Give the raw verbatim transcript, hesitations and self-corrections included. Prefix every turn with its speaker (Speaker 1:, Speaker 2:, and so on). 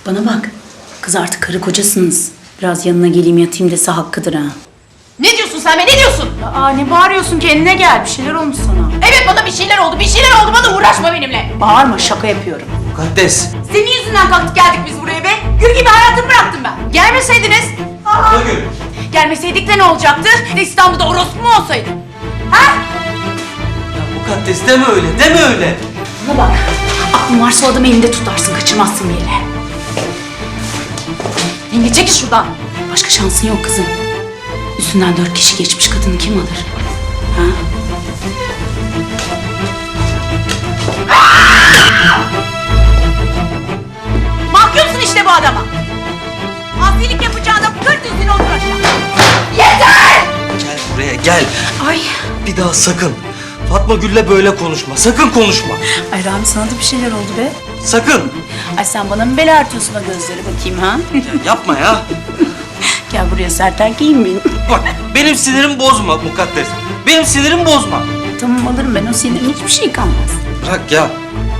Speaker 1: Bana bak. Kız artık karı kocasınız. Biraz yanına geleyim yatayım dese hakkıdır ha.
Speaker 2: Ne diyorsun sen be, ne diyorsun?
Speaker 1: Aa ne bağırıyorsun, kendine gel. Bir şeyler olmuş sana.
Speaker 2: Evet, bana bir şeyler oldu, bir şeyler oldu, bana uğraşma benimle.
Speaker 1: Bağırma, şaka yapıyorum.
Speaker 3: Mukaddes.
Speaker 2: Senin yüzünden kalktık geldik biz buraya be. Gül gibi hayatımı bıraktım ben. Gelmeseydiniz. Aa,
Speaker 3: Gül.
Speaker 2: gelmeseydik de ne olacaktı? De İstanbul'da orospu mu olsaydı? Ha?
Speaker 3: Ya Mukaddes deme öyle, deme öyle.
Speaker 1: Bana bak. Aklın varsa o adamı elinde tutarsın, kaçırmazsın bir yere.
Speaker 2: Yenge çekil şuradan.
Speaker 1: Başka şansın yok kızım. Üstünden dört kişi geçmiş, kadını kim alır? Ha?
Speaker 2: Mahkumsun işte bu adama. Asilik yapacağına kır dizini otur aşağı. Yeter!
Speaker 3: Gel buraya gel.
Speaker 1: Ay.
Speaker 3: Bir daha sakın. Fatma Gül'le böyle konuşma. Sakın konuşma.
Speaker 1: Ay Rami, sana da bir şeyler oldu be.
Speaker 3: Sakın.
Speaker 1: Ay sen bana mı bela artıyorsun o gözleri bakayım ha?
Speaker 3: Ya yapma ya.
Speaker 1: Gel buraya sert erkeğim benim.
Speaker 3: Bak benim sinirimi bozma Mukaddes. Benim sinirimi bozma.
Speaker 1: Tamam, alırım ben o senin, hiçbir şey kalmaz.
Speaker 3: Bırak ya.